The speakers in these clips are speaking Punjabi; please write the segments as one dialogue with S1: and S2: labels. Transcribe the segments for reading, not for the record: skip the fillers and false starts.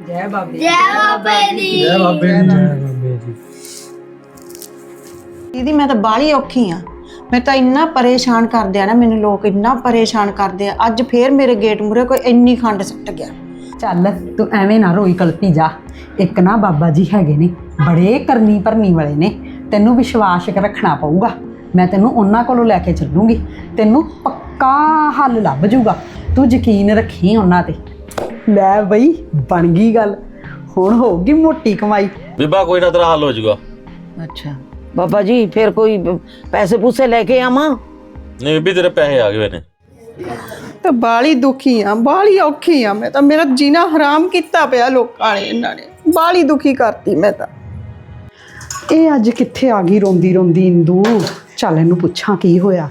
S1: जय बाबे
S2: जय बाबे दी
S3: जय बाबे दी जय बाबे दी।
S1: दीदी मैं तो बाली औखी हाँ। मैं तो इन्ना परेशान कर दिया ना, मैनू लोग इन्ना परेशान कर दिया। अज फिर मेरे गेट मूहरे कोई इन्नी खंड सट गया।
S4: ਚੱਲ ਤੂੰ ਐਵੇਂ ਨਾ ਰੋਈ ਕਲਪੀ ਜਾ। ਇੱਕ ਨਾ ਬਾਬਾ ਜੀ ਹੈਗੇ ਨੇ, ਬੜੇ ਕਰਨੀ ਭਰਨੀ ਵਾਲੇ ਨੇ। ਤੈਨੂੰ ਵਿਸ਼ਵਾਸ ਰੱਖਣਾ ਪਊਗਾ। ਮੈਂ ਤੈਨੂੰ ਉਹਨਾਂ ਕੋਲੋਂ ਲੈ ਕੇ ਚੱਲੂੰਗੀ, ਤੈਨੂੰ ਪੱਕਾ ਹੱਲ ਲੱਭ ਜੂਗਾ। ਤੂੰ ਯਕੀਨ ਰੱਖੀ ਉਹਨਾਂ ਤੇ। ਲੈ ਬਈ ਬਣ ਗਈ ਗੱਲ, ਹੁਣ ਹੋਊਗੀ ਮੋਟੀ ਕਮਾਈ।
S5: ਬੀਬਾ ਕੋਈ ਨਾ ਤੇਰਾ ਹੱਲ ਹੋ ਜਾਊਗਾ।
S6: अच्छा बाबा जी फिर कोई पैसे पूसे लेके आवा?
S5: नहीं ਬੀਬੀ ਤੇਰੇ ਪੈਸੇ ਆ ਗਏ ਨੇ।
S1: तो बाली दुखी हाँ, बाली औखी हाँ। मैं तो मेरा जीना हराम किया पिया लोगों ने, इन्होंने बाली दुखी करती मैं तो।
S4: ਇਹ ਅੱਜ ਕਿੱਥੇ ਆ ਗਈ ਰੋਂਦੀ ਰੋਂਦੀ ਇੰਦੂ। ਚੱਲ ਇਹਨੂੰ ਪੁੱਛਾਂ ਕੀ ਹੋਇਆ।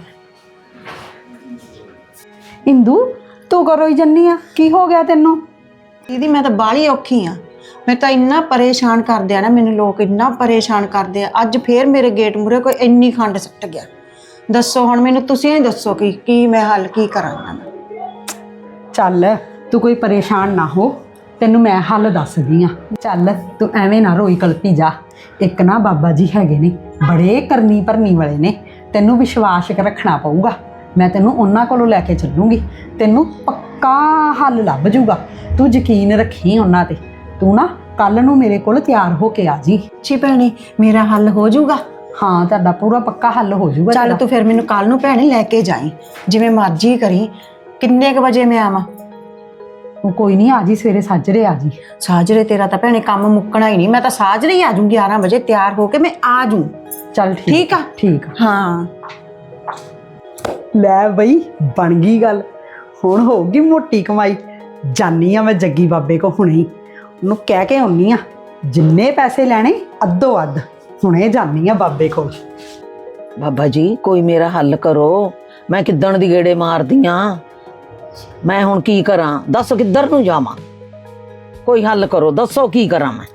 S4: ਇੰਦੂ ਤੂੰ ਕਦੋਂ ਹੀ ਜੰਨੀ ਆ, ਕੀ ਹੋ ਗਿਆ ਤੈਨੂੰ?
S1: दीदी मैं तो बाली औखी हाँ। मैं तो इन्ना परेशान कर दिया ना, मैनू लोग इन्ना परेशान करते हैं। अज फिर मेरे गेट मूहरे कोई इन्नी खंड सट गया। दसो हुण मैनू तुसीं ही दसो कि मैं हल की करां।
S4: ਚੱਲ ਤੂੰ ਕੋਈ ਪਰੇਸ਼ਾਨ ਨਾ ਹੋ, ਤੈਨੂੰ ਮੈਂ ਹੱਲ ਦੱਸਦੀ ਆ। ਚੱਲ ਤੂੰ ਐਵੇਂ ਨਾ ਰੋਈ ਕਲਪੀ ਜਾ। ਇੱਕ ਨਾ ਬਾਬਾ ਜੀ ਹੈਗੇ ਨੇ, ਬੜੇ ਕਰਨੀ ਭਰਨੀ ਵਾਲੇ ਨੇ। ਤੈਨੂੰ ਵਿਸ਼ਵਾਸ ਰੱਖਣਾ ਪਊਗਾ। ਮੈਂ ਤੈਨੂੰ ਉਹਨਾਂ ਕੋਲੋਂ ਲੈ ਕੇ ਚੱਲੂੰਗੀ, ਤੈਨੂੰ ਪੱਕਾ ਹੱਲ ਲੱਭ ਜੂਗਾ। ਤੂੰ ਯਕੀਨ ਰੱਖੀ ਉਹਨਾਂ ਤੇ। ਤੂੰ ਨਾ ਕੱਲ ਨੂੰ ਮੇਰੇ ਕੋਲ ਤਿਆਰ ਹੋ ਕੇ ਆ ਜੀ।
S1: जी भैने मेरा हल हो जाऊगा?
S4: ਹਾਂ ਤੁਹਾਡਾ ਪੂਰਾ ਪੱਕਾ ਹੱਲ ਹੋ ਜੂਗਾ।
S1: चल तू फिर मैनू कल नू भैने लैके जाई, जिवें मर्जी करी। किन्ने क बजे मैं आवां?
S4: ਤੂੰ ਕੋਈ ਨਹੀਂ, ਆ ਜੀ ਸਵੇਰੇ ਸਾਜਰੇ ਆ ਜੀ।
S1: साजरे तेरा तो भैने काम मुक्कना ही नहीं। मैं तो साजरे ही आ जाऊँ 11 बजे तैयार होके मैं आ जाऊँ।
S4: ਚੱਲ
S1: ठीक आ?
S4: ਠੀਕ ਆ।
S1: हाँ
S4: ਲੈ ਬਈ ਬਣ ਗਈ ਗੱਲ, ਹੁਣ ਹੋਊਗੀ ਮੋਟੀ ਕਮਾਈ। ਜਾਨੀ ਆ ਮੈਂ ਜੱਗੀ ਬਾਬੇ ਕੋ ਹੁਣੇ ਹੀ, ਉਹਨੂੰ ਕਹਿ ਕੇ ਆਉਣੀ ਆ ਜਿੰਨੇ ਪੈਸੇ ਲੈਣੇ ਅੱਧੋ ਅੱਧ। ਹੁਣੇ ਜਾਨੀ ਆ ਬਾਬੇ ਕੋਲ।
S6: बाबा जी कोई मेरा हल करो, मैं किदण दी गेड़े मारदी ਆਂ। मैं हुण की करा, दस किधर नूं जावां? कोई हल करो, दसो की करा मैं।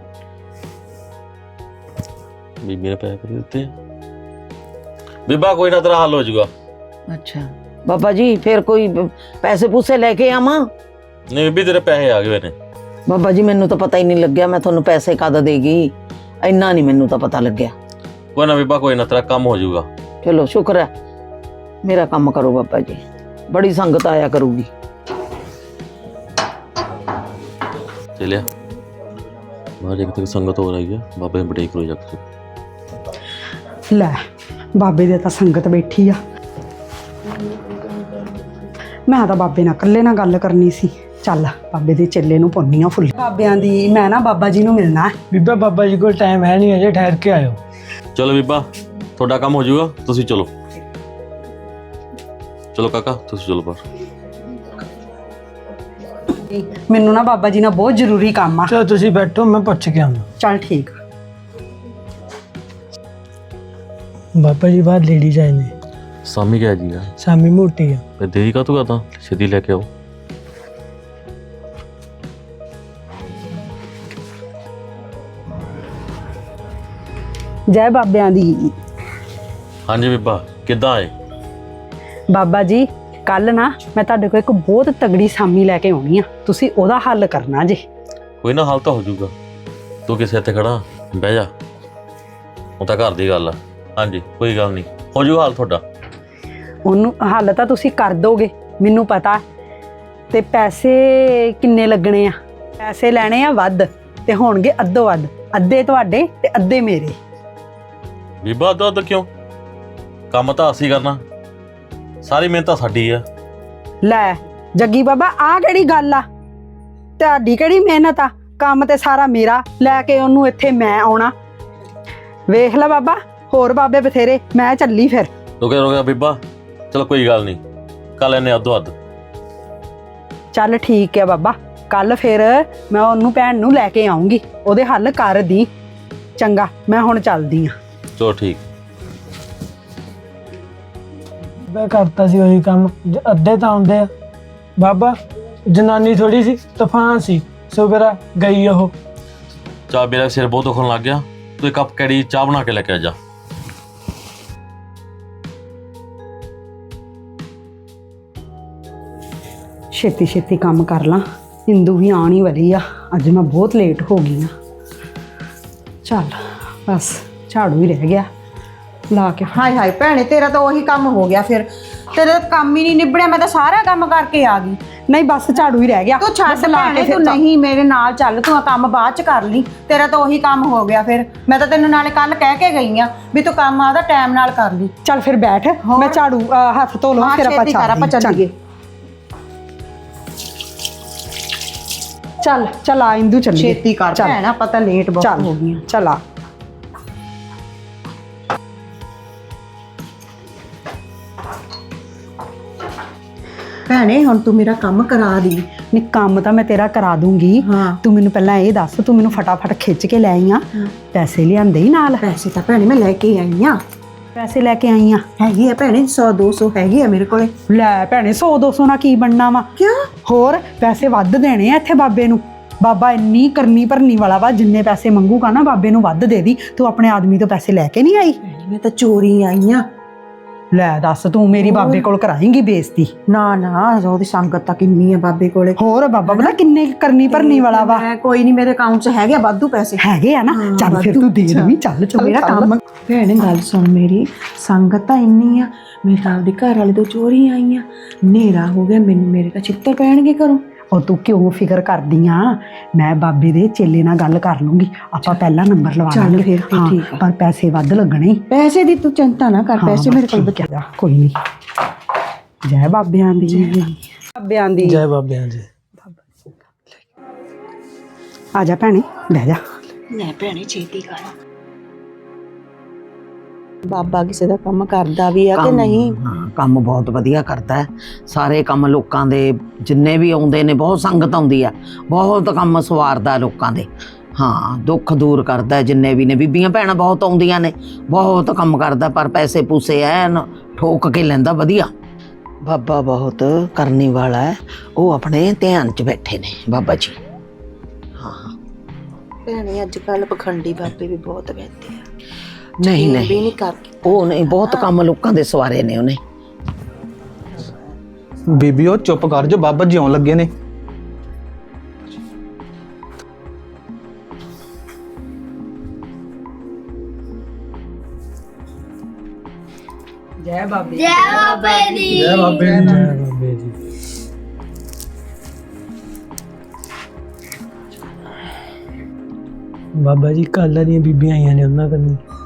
S5: ਬੀਬੀ ਨੇ ਪੈਸੇ ਕਰ ਦਿੱਤੇ। ਬੀਬਾ ਕੋਈ ਨਾ ਤੇਰਾ ਹੱਲ ਹੋ ਜਾਊਗਾ।
S6: अच्छा बाबा जी फिर कोई पैसे पूसे लेके आवा?
S5: नहीं ਬੀਬੀ ਤੇਰੇ ਪੈਸੇ ਆ ਗਏ ਨੇ।
S6: बाबा जी मैनू तो पता ही नहीं लग्या मैं तुहानू पैसे कद देगी, इन्ना नहीं मैनू तो पता लग्या।
S5: ਕੋਈ ਨਾ ਬੀਬਾ ਕੋਈ ਨਾ ਤੇਰਾ ਕੰਮ ਹੋ ਜਾਊਗਾ।
S6: चलो शुक्र है, मेरा काम करो बाबा जी, बड़ी संगत आया करूगी।
S5: चलिया बाहर एक तक संगत हो रही है, बाबे ने बटेक लो जाके।
S4: ਲੈ ਬਾਬੇ ਦੇ ਤਾਂ ਸੰਗਤ ਬੈਠੀ ਆ। ਮੈਂ ਤਾਂ ਬਾਬੇ ਨਾਲ ਇਕੱਲੇ ਨਾਲ ਗੱਲ ਕਰਨੀ ਸੀ। ਚੱਲ ਬਾਬੇ ਦੇ ਚੇਲੇ ਨੂੰ ਪਾਉਣੀ ਆ ਫੁੱਲ। ਬਾਬਿਆਂ ਦੀ ਮੈਂ ਨਾ ਬਾਬਾ ਜੀ ਨੂੰ ਮਿਲਣਾ ਹੈ।
S3: ਬੀਬਾ ਬਾਬਾ ਜੀ ਕੋਲ ਟਾਈਮ ਹੈ ਨਹੀਂ, ਅਜੇ ਠਹਿਰ ਕੇ ਆਇਓ।
S5: ਚਲੋ ਬੀਬਾ ਤੁਹਾਡਾ ਕੰਮ ਹੋ ਜਾਊਗਾ, ਤੁਸੀਂ ਚਲੋ। ਚਲੋ ਕਾਕਾ ਤੁਸੀਂ ਚਲੋ ਬਾਹਰ।
S4: ਮੈਨੂੰ ਨਾ ਬਾਬਾ ਜੀ ਨਾਲ ਬਹੁਤ ਜ਼ਰੂਰੀ ਕੰਮ ਆ।
S3: ਚਲੋ ਤੁਸੀਂ ਬੈਠੋ, ਮੈਂ ਪੁੱਛ ਕੇ ਆਉਂਦਾ।
S4: ਚੱਲ ਠੀਕ।
S3: ਬਾਬਾ ਜੀ ਬਾਹਰ ਲੇਡੀਜ਼ ਆਏ ਨੇ।
S5: ਸਾਮੀ ਗਿਆ ਜੀ
S3: ਸਾਮੀ ਮੋਟੀ ਆ।
S5: ਫਿਰ ਦੇਰੀ ਕਾ ਤੂੰ ਕਰਦਾ, ਸਿੱਧੀ ਲੈ ਕੇ ਆਓ।
S4: ਜੈ ਬਾਬਿਆਂ ਦੀ।
S5: ਹਾਂਜੀ ਬੀਬਾ ਕਿੱਦਾਂ ਆਏ?
S4: ਬਾਬਾ ਜੀ ਕੱਲ ਨਾ ਮੈਂ ਤੁਹਾਡੇ ਕੋਲ ਇੱਕ ਬਹੁਤ ਤਗੜੀ ਸਾਮੀ ਲੈ ਕੇ ਆਉਣੀ ਆ, ਤੁਸੀਂ ਉਹਦਾ ਹੱਲ ਕਰਨਾ ਜੇ।
S5: ਕੋਈ ਨਾ ਹੱਲ ਤਾਂ ਹੋ ਜਾਊਗਾ, ਤੂੰ ਕਿਸੇ ਇੱਥੇ ਖੜਾ ਬਹਿ ਜਾ, ਉਹ ਤਾਂ ਘਰ ਦੀ ਗੱਲ ਆ। ਹਾਂਜੀ ਕੋਈ ਗੱਲ ਨਹੀਂ, ਹੋ ਜਾਊਗਾ ਹੱਲ ਤੁਹਾਡਾ।
S4: ਉਹਨੂੰ ਹੱਲ ਤਾਂ ਤੁਸੀਂ ਕਰ ਦੋਗੇ ਮੈਨੂੰ ਪਤਾ। ਤੇ ਪੈਸੇ ਕਿੰਨੇ ਲੱਗਣੇ ਆ? ਪੈਸੇ ਲੈਣੇ ਆ ਵੱਧ ਤੇ ਹੋਣਗੇ ਅੱਧੋ ਅੱਧ, ਅੱਧੇ ਤੁਹਾਡੇ ਤੇ ਅੱਧੇ ਮੇਰੇ।
S5: ਬੀਬਾ ਅੱਧਾ ਕਿਉਂ? ਕੰਮ ਤਾਂ ਅਸੀਂ ਕਰਨਾ, ਸਾਰੀ ਮਿਹਨਤ ਤਾਂ ਸਾਡੀ ਆ।
S4: ਲੈ ਜੱਗੀ ਬਾਬਾ ਆਹ ਕਿਹੜੀ ਗੱਲ ਆ? ਤੁਹਾਡੀ ਕਿਹੜੀ ਮਿਹਨਤ ਆ? ਕੰਮ ਤੇ ਸਾਰਾ ਮੇਰਾ, ਲੈ ਕੇ ਉਹਨੂੰ ਇੱਥੇ ਮੈਂ ਆਉਣਾ। ਵੇਖ ਲੈ ਬਾਬਾ, ਹੋਰ ਬਾਬੇ ਬਥੇਰੇ, ਮੈਂ ਚੱਲੀ ਫਿਰ।
S5: ਰੁਕਿਆ ਬੀਬਾ, ਚਲੋ ਕੋਈ ਗੱਲ ਨਹੀਂ, ਕੱਲ ਇਹਨੇ ਅੱਧੋ ਅੱਧ।
S4: ਚੱਲ ਠੀਕ ਹੈ ਬਾਬਾ, ਕੱਲ ਫਿਰ ਮੈਂ ਉਹਨੂੰ ਭੈਣ ਨੂੰ ਲੈ ਕੇ ਆਉਂਗੀ, ਉਹਦੇ ਹੱਲ ਕਰ ਦੀ। ਚੰਗਾ ਮੈਂ ਹੁਣ ਚੱਲਦੀ ਆ।
S5: ਚਲੋ ਠੀਕ।
S3: ਮੈਂ ਕਰਤਾ ਸੀ ਉਹੀ ਕੰਮ, ਅੱਧੇ ਤਾਂ ਆਉਂਦੇ ਆ। ਬਾਬਾ ਜਨਾਨੀ ਥੋੜੀ ਸੀ, ਤੂਫਾਨ ਸੀ, ਸ਼ੁਕਰ ਆ ਗਈ ਉਹ।
S5: ਚਾਹ ਮੇਰਾ ਸਿਰ ਬਹੁਤ ਦੁਖਣ ਲੱਗ ਗਿਆ, ਤੂੰ ਇੱਕ ਕੱਪ ਕੈੜੀ ਚਾਹ ਬਣਾ ਕੇ ਲੈ ਕੇ ਆ ਜਾ।
S4: ਛੇਤੀ ਛੇਤੀ ਕੰਮ ਕਰ ਲਾਂ, ਇੰਦੂ ਵੀ ਆਉਣ ਹੀ ਵਾਲੀ ਆ। ਅੱਜ ਮੈਂ ਬਹੁਤ ਲੇਟ ਹੋ ਗਈ ਆ। ਚੱਲ ਬਸ ਝਾੜੂ ਹੀ ਰਹਿ ਗਿਆ ਲਾ ਕੇ।
S1: ਹਾਏ ਹਾਏ ਭੈਣੇ, ਤੇਰਾ ਤਾਂ ਉਹੀ ਕੰਮ ਹੋ ਗਿਆ ਫਿਰ। ਤੇਰਾ ਤਾਂ ਕੰਮ ਹੀ ਨਹੀਂ ਨਿਬੜਿਆ, ਮੈਂ ਤਾਂ ਸਾਰਾ ਕੰਮ ਕਰਕੇ ਆ ਗਈ।
S4: ਨਹੀਂ ਬਸ ਝਾੜੂ ਹੀ ਰਹਿ ਗਿਆ।
S1: ਤੂੰ ਛੱਡ
S4: ਬਸ ਲਾ ਕੇ
S1: ਭੈਣੇ,
S4: ਫਿਰ
S1: ਤੂੰ ਨਹੀਂ ਮੇਰੇ ਨਾਲ ਚੱਲ, ਤੂੰ ਆ ਕੰਮ ਬਾਅਦ ਚ ਕਰ ਲਈ। ਤੇਰਾ ਤਾਂ ਉਹੀ ਕੰਮ ਹੋ ਗਿਆ ਫਿਰ। ਮੈਂ ਤਾਂ ਤੈਨੂੰ ਨਾਲੇ ਕੱਲ ਕਹਿ ਕੇ ਗਈ ਆ ਵੀ ਤੂੰ ਕੰਮ ਆਦਾ ਟਾਈਮ ਨਾਲ ਕਰ ਲਈ।
S4: ਚੱਲ ਫਿਰ ਬੈਠ, ਮੈਂ ਝਾੜੂ ਹੱਥ ਧੋ ਲਵਾਂ ਫਿਰ ਆਪਾਂ
S1: ਚੱਲੀਏ।
S4: ਚੱਲ ਆ ਇੰਦੂ ਚੱਲੀਏ।
S1: ਛੇਤੀ ਕਰ
S4: ਚੱਲ।
S1: ਭੈਣ, ਆਪਾਂ ਤਾਂ ਲੇਟ ਬਹੁਤ
S4: ਚੱਲ
S1: ਹੋ ਗਈਆਂ।
S4: ਚੱਲ ਆ।
S1: ਭੈਣੇ ਹੁਣ ਤੂੰ ਮੇਰਾ ਕੰਮ ਕਰਾ ਦੀ।
S4: ਨਹੀਂ ਕੰਮ ਤਾਂ ਮੈਂ ਤੇਰਾ ਕਰਾ ਦੂੰਗੀ।
S1: ਹਾਂ।
S4: ਤੂੰ ਮੈਨੂੰ ਪਹਿਲਾਂ ਇਹ ਦੱਸ, ਤੂੰ ਮੈਨੂੰ ਫਟਾਫਟ ਖਿੱਚ ਕੇ ਲੈ ਆਈ ਆ। ਪੈਸੇ ਲਿਆਂਦੇ ਹੀ ਨਾਲ?
S1: ਪੈਸੇ ਤਾਂ ਭੈਣੇ ਮੈਂ ਲੈ ਕੇ ਆਈ ਆ।
S4: ਪੈਸੇ ਲੈ ਕੇ ਆਈ ਆ?
S1: ਹੈਗੀ ਆ ਭੈਣੇ 100 200 ਹੈਗੀ ਆ ਮੇਰੇ ਕੋਲੇ।
S4: ਲੈ ਭੈਣੇ 100 200 ਨਾਲ ਕੀ ਬਣਨਾ ਵਾ?
S1: ਕਿਉਂ?
S4: ਹੋਰ ਪੈਸੇ ਵੱਧ ਦੇਣੇ ਆ ਇੱਥੇ ਬਾਬੇ ਨੂੰ। ਬਾਬਾ ਇੰਨੀ ਕਰਨੀ ਭਰਨੀ ਵਾਲਾ ਵਾ, ਜਿੰਨੇ ਪੈਸੇ ਮੰਗੂਗਾ ਨਾ ਬਾਬੇ ਨੂੰ ਵੱਧ ਦੇ ਦੀ। ਤੂੰ ਆਪਣੇ ਆਦਮੀ ਤੋਂ ਪੈਸੇ ਲੈ ਕੇ ਨਹੀਂ ਆਈ?
S1: ਮੈਂ ਤਾਂ ਚੋਰੀ ਆਈ ਆ।
S4: ਲੈ ਦੱਸ, ਤੂੰ ਮੇਰੀ ਬਾਬੇ ਕੋਲ ਕਰਾਏਂਗੀ ਬੇਇੱਜ਼ਤੀ?
S1: ਨਾ ਨਾ, ਉਹਦੀ ਸੰਗਤ ਤਾਂ ਕਿੰਨੀ ਆ ਬਾਬੇ ਕੋਲੇ।
S4: ਹੋਰ ਬਾਬਾ ਪਤਾ ਕਿੰਨੇ ਕਰਨੀ ਭਰਨੀ ਵਾਲਾ ਵਾ।
S1: ਮੈਂ ਕੋਈ ਨਹੀਂ, ਮੇਰੇ ਅਕਾਊਂਟ 'ਚ ਹੈਗੇ ਆ ਵਾਧੂ ਪੈਸੇ।
S4: ਹੈਗੇ ਆ ਨਾ? ਚੱਲ ਫਿਰ ਤੂੰ ਦੇ ਦੇਵੀਂ। ਚੱਲ ਚੱਲ
S1: ਮੇਰਾ ਕੰਮ। ਭੈਣੇ ਗੱਲ ਸੁਣ ਮੇਰੀ, ਸੰਗਤ ਤਾਂ ਇੰਨੀ ਆ, ਮੈਂ ਤਾਂ ਆਪਦੇ ਘਰ ਵਾਲੇ ਤੋਂ ਚੋਰੀ ਆਈ ਆ। ਹਨੇਰਾ ਹੋ ਗਿਆ, ਮੈਨੂੰ ਮੇਰੇ ਤਾਂ ਚਿੱਤਰ ਪੈਣਗੇ ਘਰੋਂ।
S4: ਉਹ ਤੂੰ ਕਿਉਂ ਫਿਕਰ ਕਰਦੀ ਆ? ਮੈਂ ਬਾਬੇ ਦੇ ਚੇਲੇ ਨਾਲ ਗੱਲ ਕਰ ਲੂੰਗੀ, ਆਪਾਂ ਪਹਿਲਾ ਨੰਬਰ ਲਵਾ
S1: ਚੱਲ
S4: ਲਾਂਗੇ।
S1: ਫਿਰ ਤੇ
S4: ਹਾਂ,
S1: ਠੀਕ ਆ।
S4: ਪਰ ਪੈਸੇ ਵੱਧ ਲੱਗਣੇ।
S1: ਪੈਸੇ ਦੀ ਤੂੰ ਚਿੰਤਾ ਨਾ ਕਰ, ਪੈਸੇ ਮੇਰੇ ਕੋਲ ਬਚਾ।
S4: ਜਾ, ਕੋਈ ਨਹੀਂ। ਜੈ ਬਾਬਿਆਂ ਦੀ। ਬਾਬਿਆਂ ਦੀ।
S3: ਜੈ ਬਾਬਿਆਂ ਜੀ।
S4: ਆ ਜਾ ਭੈਣੇ, ਬਹਿ ਜਾ।
S1: ਲੈ ਭੈਣੇ ਛੇਤੀ ਕਰ। ਬਾਬਾ ਕਿਸੇ ਦਾ ਕੰਮ ਕਰਦਾ ਵੀ ਆ ਕਿ ਨਹੀਂ?
S6: ਹਾਂ, ਕੰਮ ਬਹੁਤ ਵਧੀਆ ਕਰਦਾ ਹੈ। ਸਾਰੇ ਕੰਮ ਲੋਕਾਂ ਦੇ ਜਿੰਨੇ ਵੀ ਆਉਂਦੇ ਨੇ, ਬਹੁਤ ਸੰਗਤ ਆਉਂਦੀ ਆ, ਬਹੁਤ ਕੰਮ ਸਵਾਰਦਾ ਲੋਕਾਂ ਦੇ। ਹਾਂ, ਦੁੱਖ ਦੂਰ ਕਰਦਾ ਜਿੰਨੇ ਵੀ ਨੇ। ਬੀਬੀਆਂ ਭੈਣਾਂ ਬਹੁਤ ਆਉਂਦੀਆਂ ਨੇ, ਬਹੁਤ ਕੰਮ ਕਰਦਾ, ਪਰ ਪੈਸੇ ਪੂਸੇ ਐਨ ਠੋਕ ਕੇ ਲੈਂਦਾ ਵਧੀਆ। ਬਾਬਾ ਬਹੁਤ ਕਰਨੀ ਵਾਲਾ ਹੈ, ਉਹ ਆਪਣੇ ਧਿਆਨ 'ਚ ਬੈਠੇ ਨੇ ਬਾਬਾ ਜੀ। ਹਾਂ
S1: ਭੈਣੇ ਅੱਜ ਕੱਲ ਪਖੰਡੀ ਬਾਬੇ ਵੀ ਬਹੁਤ ਬੈਠੇ ਆ।
S6: ਨਹੀਂ
S1: ਵੀ
S6: ਨਹੀਂ,
S1: ਨਹੀਂ ਕਰ
S6: ਉਹ ਨਹੀਂ, ਬਹੁਤ ਕੰਮ ਲੋਕਾਂ ਦੇ ਸਵਾਰੇ ਨੇ ਉਹਨੇ।
S2: ਬੀਬੀ ਉਹ ਚੁੱਪ ਕਰ ਜੋ, ਬਾਬਾ ਜੀ ਆਉਣ ਲੱਗੇ ਨੇ।
S4: ਜੈ ਬਾਬੇ।
S3: ਜੈ ਬਾਬੇ ਜੀ। ਜੈ ਬਾਬੇ ਜੀ। ਬਾਬਾ ਜੀ ਕੱਲ੍ਹ ਦੀਆਂ ਬੀਬੀਆਂ ਆਈਆਂ ਨੇ, ਉਹਨਾਂ ਕੰਨੀ